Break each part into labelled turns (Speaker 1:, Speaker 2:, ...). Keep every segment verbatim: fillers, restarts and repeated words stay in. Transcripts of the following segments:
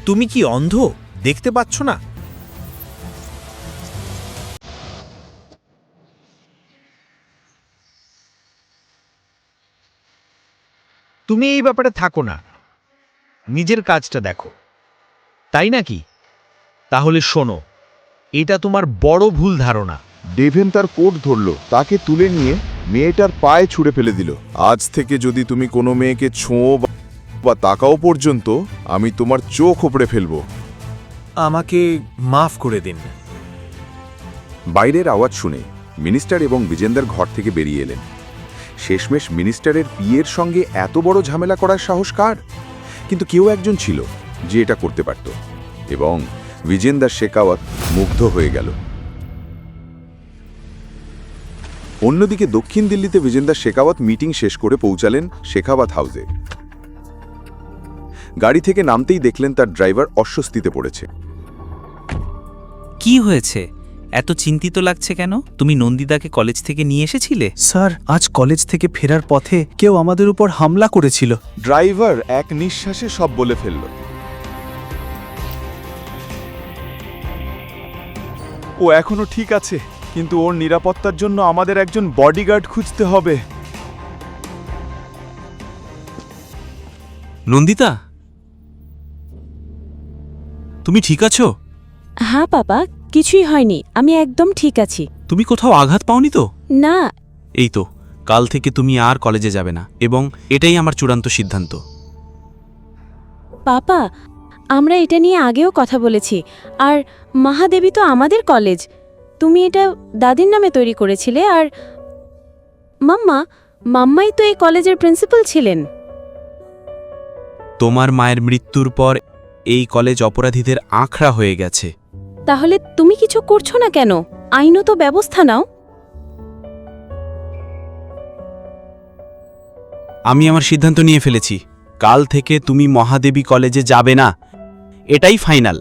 Speaker 1: তুমি কি অন্ধ? দেখতে পাচ্ছ না? তুমি এই ব্যাপারে থাকো না, নিজের কাজটা দেখো, তাই নাকি? তাহলে শোনো, এটা তোমার বড় ভুল ধারণা।
Speaker 2: ডেভেন তার কোট ধরল, তাকে তুলে নিয়ে মেয়েটার পায়ে ছুঁড়ে ফেলে দিল। আজ থেকে যদি তুমি কোনো মেয়েকে ছোঁও বা তাকাও পর্যন্ত, আমি তোমার চোখ ওপড়ে ফেলবো।
Speaker 1: আমাকে মাফ করে দিন।
Speaker 2: বাইরের আওয়াজ শুনে মিনিস্টার এবং বিজেন্দার ঘর থেকে বেরিয়ে এলেন। শেষমেশ মিনিস্টারের বিয়ের সঙ্গে এত বড় ঝামেলা করার সাহস কার? কিন্তু কেউ একজন ছিল যে এটা করতে পারত, এবং বিজেন্দার শেখাওয়াত মুগ্ধ হয়ে গেল। অন্যদিকে দক্ষিণ দিল্লিতে বিজেন্দার শেখাওয়াত মিটিং শেষ করে পৌঁছালেন শেখাওয়াত হাউসে। গাড়ি থেকে নামতেই দেখলেন তার ড্রাইভার অস্বস্তিতে পড়েছে।
Speaker 3: কি হয়েছে? এত চিন্তিত লাগছে কেন? তুমি নন্দিদাকে কলেজ থেকে নিয়ে এসেছিলে?
Speaker 4: স্যার, আজ কলেজ থেকে ফেরার পথে কেউ আমাদের উপর হামলা করেছিল।
Speaker 2: ড্রাইভার এক নিঃশ্বাসে সব বলে ফেলল। ও এখনো ঠিক আছে, কিন্তু ওর নিরাপত্তার জন্য আমাদের একজন বডিগার্ড খুঁজতে হবে।
Speaker 3: নন্দিতা, তুমি ঠিক আছো?
Speaker 5: হ্যাঁ বাবা, কিছুই হয়নি, আমি একদম ঠিক আছি।
Speaker 3: তুমি কোথাও আঘাত পাওনি তো?
Speaker 5: না।
Speaker 3: এই তো, কাল থেকে তুমি আর কলেজে যাবে না, এবং এটাই আমার চূড়ান্ত সিদ্ধান্ত।
Speaker 5: পাপা, আমরা এটা নিয়ে আগেও কথা বলেছি, আর মহাদেবী তো আমাদের কলেজ। তুমি এটা দাদির নামে তৈরি করেছিলে, আর মাম্মা মাম্মাই তো এই কলেজের প্রিন্সিপাল ছিলেন।
Speaker 3: তোমার মায়ের মৃত্যুর পর এই কলেজ অপরাধীদের আঁকড়া হয়ে গেছে।
Speaker 5: তাহলে তুমি কিছু করছো না কেন? আইনত ব্যবস্থা নাও।
Speaker 3: আমি আমার সিদ্ধান্ত নিয়ে ফেলেছি, কাল থেকে তুমি মহাদেবী কলেজে যাবে না, এটাই ফাইনাল।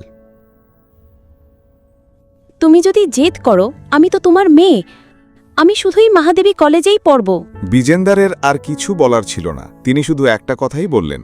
Speaker 5: তুমি যদি জেদ করো, আমি তো তোমার মেয়ে, আমি শুধুই মহাদেবী কলেজেই পড়ব।
Speaker 2: বিজেন্দারের আর কিছু বলার ছিল না, তিনি শুধু একটা কথাই বললেন।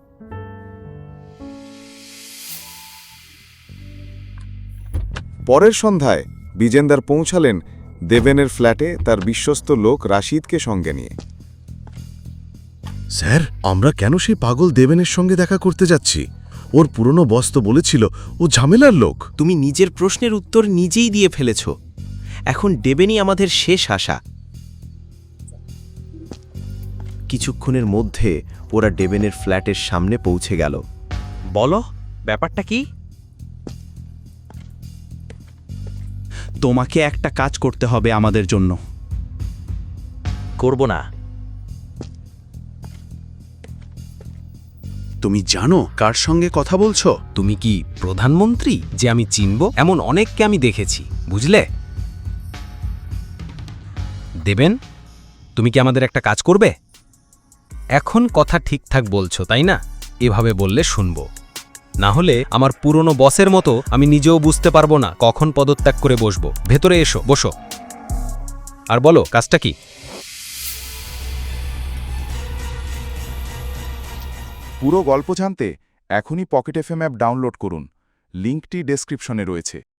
Speaker 2: পরের সন্ধ্যায় বিজেন্দার পৌঁছালেন দেবেনের ফ্ল্যাটে তার বিশ্বস্ত লোক রাশিদকে সঙ্গে নিয়ে।
Speaker 6: স্যার, আমরা কেন সেই পাগল দেবেনের সঙ্গে দেখা করতে যাচ্ছি? ওর পুরনো বস তো বলেছিল ও ঝামেলার লোক।
Speaker 1: তুমি নিজের প্রশ্নের উত্তর নিজেই দিয়ে ফেলেছ। এখন ডেবেনই আমাদের শেষ আশা। কিছুক্ষণের মধ্যে ওরা ডেবেনের ফ্ল্যাটের সামনে পৌঁছে গেল। বলো, ব্যাপারটা কি?
Speaker 3: তোমাকে একটা কাজ করতে হবে আমাদের জন্য।
Speaker 1: করব না।
Speaker 6: তুমি জানো কার সঙ্গে কথা বলছো?
Speaker 7: তুমি কি প্রধানমন্ত্রী যে আমি চিনব? এমন অনেককে আমি দেখেছি, বুঝলে? দেবেন, তুমি কি আমাদের একটা কাজ করবে? এখন কথা ঠিকঠাক বলছো, তাই না? এভাবে বললে শুনব, না হলে আমার পুরনো বসের মতো আমি নিজেও বুঝতে পারবো না কখন পদত্যাগ করে বসবো। ভেতরে এসো, বসো, আর বলো কাজটা কি।
Speaker 2: পুরো গল্প জানতে এখনই পকেট এফএম অ্যাপ ডাউনলোড করুন, লিঙ্কটি ডেসক্রিপশনে রয়েছে।